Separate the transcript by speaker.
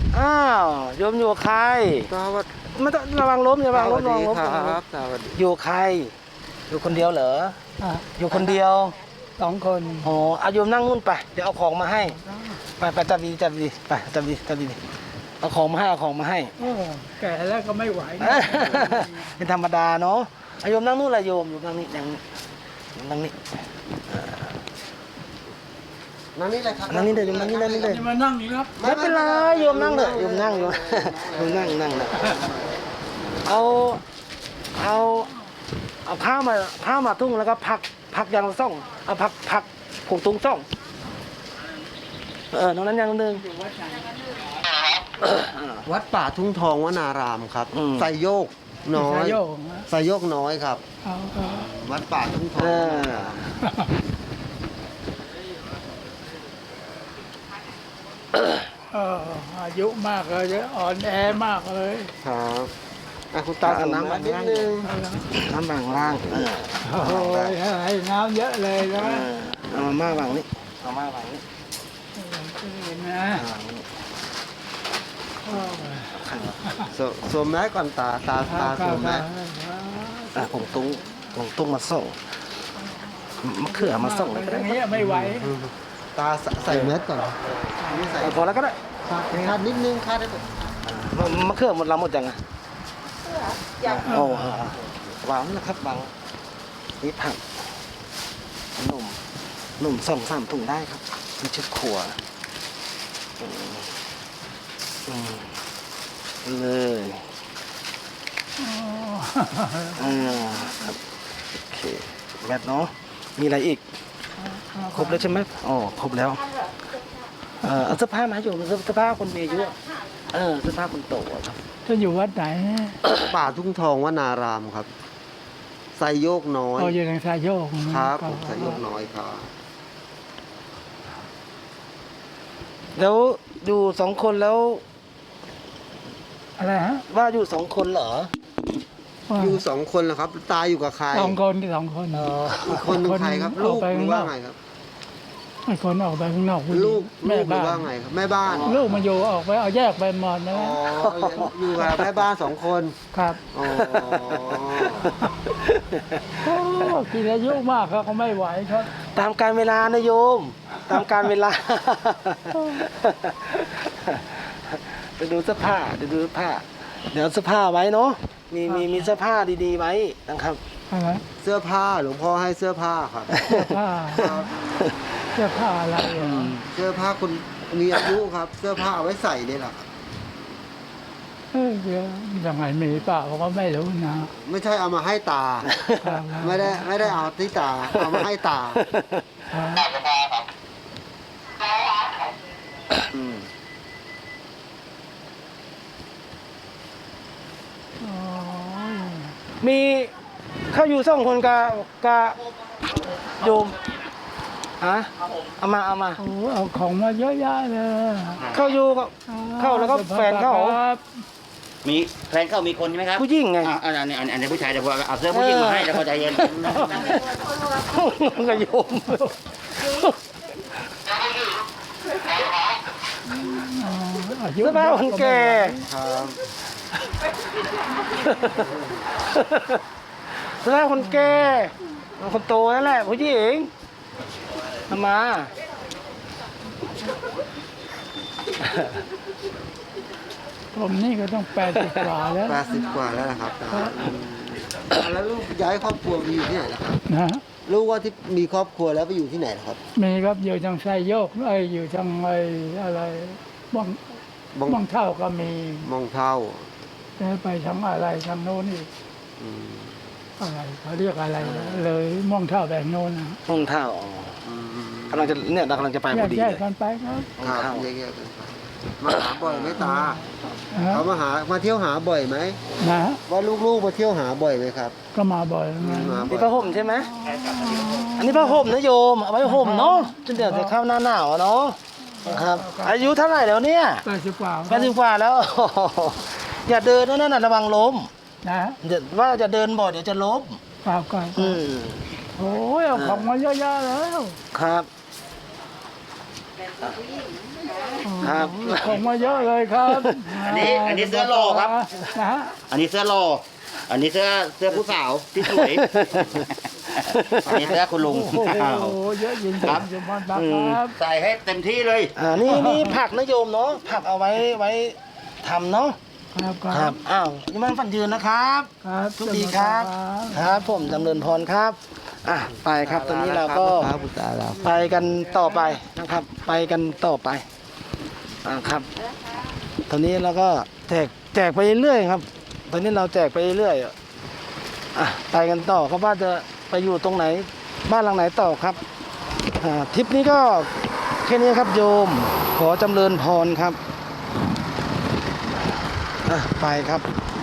Speaker 1: อ้าวโยมอยู่กับใคร
Speaker 2: สวัสดี
Speaker 1: ไม่ต้องระวังล้มอย่าระวังล้มระวังล้ม
Speaker 2: ครับสวัสดี
Speaker 1: อยู่กับใครอยู่คนเดียวเหรอ
Speaker 3: อ่ะ
Speaker 1: อยู่คนเดียว
Speaker 3: 2 คน
Speaker 1: อ๋อเอาโยมนั่งนู่นไปเดี๋ยวเอาของมาให้ไปจับดีไปจับดีเอาของมาให้เอาของมาให้
Speaker 3: โอ้แก่แล้วก็ไม่ไหว
Speaker 1: เป็นธรรมดาเนาะเอาโยมนั่งนู่นเลยโยมนั่งนี่นั่งนี่
Speaker 2: นั่นนี่เลยครับ
Speaker 1: นั่งนี่เลยโยมนั่งนี่เลย
Speaker 3: จะมานั่งอีกครับ
Speaker 1: ไม่เป็นไรโยมนั่งเลยโยมนั่งเลยเอาผ้ามาทุ่งแล้วก็พักยางซ่องเอาพักผงตุ้งซ่องน้องนั้นยังนึง
Speaker 2: วัดป่าทุ่งทองวนารามครับ
Speaker 1: อืม
Speaker 2: ไซโยกน้อย
Speaker 3: สายโยกนะ
Speaker 2: ไซโยกน้อยครับ
Speaker 3: เอา
Speaker 2: วัดป่าทุ่งทอง
Speaker 3: อายุมากเลยอ่อนแอมากเลย
Speaker 2: ครับคุณตาเอาน้ำมานิดนึง
Speaker 1: น้ำบางล่าง
Speaker 3: โอ้ยให้น้ำเยอะเลยนะ
Speaker 1: เอามาบางนี้เอามาบางนี้
Speaker 3: นะ
Speaker 2: สวมแมสก่อนตาสวมแมส
Speaker 1: ผงตุ้งมาส่งมะเขือมาส่งเลยก็
Speaker 3: อ
Speaker 1: ได้
Speaker 3: ย่างนี้ไม่ไหว
Speaker 2: ตาใส่แมสก่อนนี่ใส่
Speaker 1: พอแล้วก็ได้
Speaker 2: คาดนิดนึงคาดได้
Speaker 1: มะเขือหมดหมดยังอ่ะโอ้วางนะครับวางนี่ผักหนุ่ม2-3 ถุงได้ครับมีชุดครัวเลยครับโอเคแมทเนาะมีอะไรอีกครบแล้วใช่ไหมอ๋อครบแล้วเอาเสื้อผ้ามาให้อยู่เสื้อผ้าคนมีอายุเสื้อผ้าคนโตครับ
Speaker 3: ท่านอยู่วัดไหน
Speaker 2: ป่าทุ่งทองวนารามครับไซโยกน้อย
Speaker 3: เขาอยู่ทางสายโยก
Speaker 2: ครับผมไซโยกน้อยครับ
Speaker 1: แล้วอยู่2 คนแล้ว
Speaker 3: อะไรฮะ
Speaker 1: ว่าอยู่2 คนเหรอ
Speaker 2: อยู่2 คนเหรอครับ ตาอยู่กับใคร
Speaker 3: 2 คนที่2 คน
Speaker 2: อีกคนหนึงใครครับ ลูกหรือว่าไงครับ
Speaker 3: ไอ้คนออกไปข้างนอก
Speaker 2: ลูก
Speaker 3: แม่
Speaker 2: หรือ
Speaker 3: บ้า
Speaker 2: ว่าน ไงครับแม่บ้าน
Speaker 3: ลูกมาอยู่ออกไปเอาแยกไปหมดนะ
Speaker 2: อ๋ออยู่กับแม่บ้าน2 คน
Speaker 3: ครับ
Speaker 2: อ๋อ
Speaker 3: โอ้กินอายุมากครับเขาไม่ไหวครับ
Speaker 1: ตามการเวลานะโยม ตามการเวลาไปดูเสื้อผ้าเดี๋ยวเสื้อผ้าไว้เนาะมีเสื้อผ้าดีๆไว้นะครับ
Speaker 3: อะไร
Speaker 2: เสื้อผ้าหลวงพ่อให้เสื้อผ้าครับ
Speaker 3: เสื้อผ้าเสื้อผ้าอะไรอ่ะ
Speaker 2: เสื้อผ้าคนมีอายุครับ เสื้อผ้าเอาไว้ใส่นี่แหละครับ
Speaker 3: เดี๋ยวยังไงมีเปล่าผมก็ไม่รู้นะ
Speaker 2: ไม่ใช่เอามาให้ตา
Speaker 3: ครับ
Speaker 2: ไม่ได้เอาที่ตาเอามาให้ตา
Speaker 1: อืม
Speaker 3: อ๋อ
Speaker 1: มีเขาอยู่2 คนกับโยมเอามา
Speaker 3: โอ้เอาของมาเยอะแยะเลย
Speaker 1: เข้าอยู่กับเข้าแล้วก็แฟนเขา
Speaker 3: ครับ
Speaker 4: มีแฟนเข้ามีคนใช่ไหมครับ
Speaker 1: ผู้หญิงไง
Speaker 4: อันนี้ผู้ชายเดี๋ยวผมเอาเสื้อผู้หญิงมาให้แล้วก็ใจเย็น
Speaker 1: กับโยม
Speaker 3: อายุ
Speaker 1: เสื้อผ้าคนแก่
Speaker 2: ครับ
Speaker 1: เสื้อผ้าคนแก่คนโตนั่นแหละผู้หญิงเอามา
Speaker 3: ผมนี่ก็ต้อง80 กว่าแล้ว
Speaker 2: 80 กว่าแล้วนะครับตาแล้วลูกย้ายครอบครัวไปอยู่ที่ไหนล่ะครับ
Speaker 3: นะ
Speaker 2: ลูกว่าที่มีครอบครัวแล้วไปอยู่ที่ไหนล่ะครับ
Speaker 3: มีครับอยู่ทางไซโยกอยู่ทางอะไรบ้อง
Speaker 2: บ้อง
Speaker 3: บ้องเท่าก็มี
Speaker 2: มองเท่า
Speaker 3: แล้วไปทางอะไรทางโน้นอีก
Speaker 2: อืม
Speaker 3: อะไรเขาเรียกอะไรนะเลยม่วงเท่าแบบโน้นนะ
Speaker 1: ห้องเท่าอ๋อ
Speaker 2: อืม
Speaker 1: กำลังจะไปพอดี
Speaker 3: แย
Speaker 1: เล
Speaker 3: ก
Speaker 1: ย
Speaker 3: กันไปครับ
Speaker 2: ครับแยกๆกันไปมาหาบ่อยไหมตา
Speaker 3: นะ
Speaker 2: เขามาเที่ยวหาบ่อยไหม
Speaker 3: นะ
Speaker 2: ว่าลูกๆมาเที่ยวหาบ่อยไหมครับ
Speaker 3: ก็มาบ่อยนะ
Speaker 2: มาบ่
Speaker 1: นี่
Speaker 2: อย
Speaker 1: ผ้าห่มใช่ไหมอันนี้ผ้าห่มนะโยมเอาไว้ห่มเนาะจนเดี๋ยวจะเข้าหน้าหนาวอะเนาะครับ อายุเท่าไหร่แล้วเนี่ย
Speaker 3: 80 กว่า
Speaker 1: 80 กว่าแล้ว อย่าเดินนั่นน่ะระวังล้ม
Speaker 3: นะ
Speaker 1: เดี๋ยวว่าจะเดินบ่อยเดี๋ยวจะล้ม
Speaker 3: เปล่าก่อน
Speaker 1: อืม
Speaker 3: โอ้ยเอาของมาเยอะแยะแล้ว
Speaker 1: ครับครับ
Speaker 3: ของมาเยอะเลยครับ
Speaker 4: อันนี้เสื้อหล่อครับ
Speaker 3: นะฮะ
Speaker 4: อันนี้เสื้อหล่ออันนี้เสื้อผู้สาวที่สวย อันนี้เสื้อคุณลุง
Speaker 3: โอ้โหเยอะจริง
Speaker 4: ครับ
Speaker 3: ๆอยู่บ้านพักครับ
Speaker 4: ใส่ให้เต็มที่เลย
Speaker 1: นี่ผักนะโยมเนาะผักเอาไว้ทำเนาะ
Speaker 3: ครับค
Speaker 1: ค
Speaker 3: รั
Speaker 1: รั
Speaker 3: บบ
Speaker 1: อ้าวยังมันฝันยืนนะครับ
Speaker 3: ครับ
Speaker 1: ทุกดีครับ ครับ ผมจำเริญพรครับไปครับตอนนี้เราก็
Speaker 2: ครับพุทธาเรา
Speaker 1: ไปกันต่อไปนะครับ ไปกันต่อไปครับตอนนี้เราก็แจกไปเรื่อยๆครับ ตอนนี้เราแจกไปเรื่อยไปกันต่อครับว่าจะไปอยู่ตรงไหนบ้านหลังไหนต่อครับทริปนี้ก็แค่นี้ครับโยมขอจำเริญพรครับไปครับ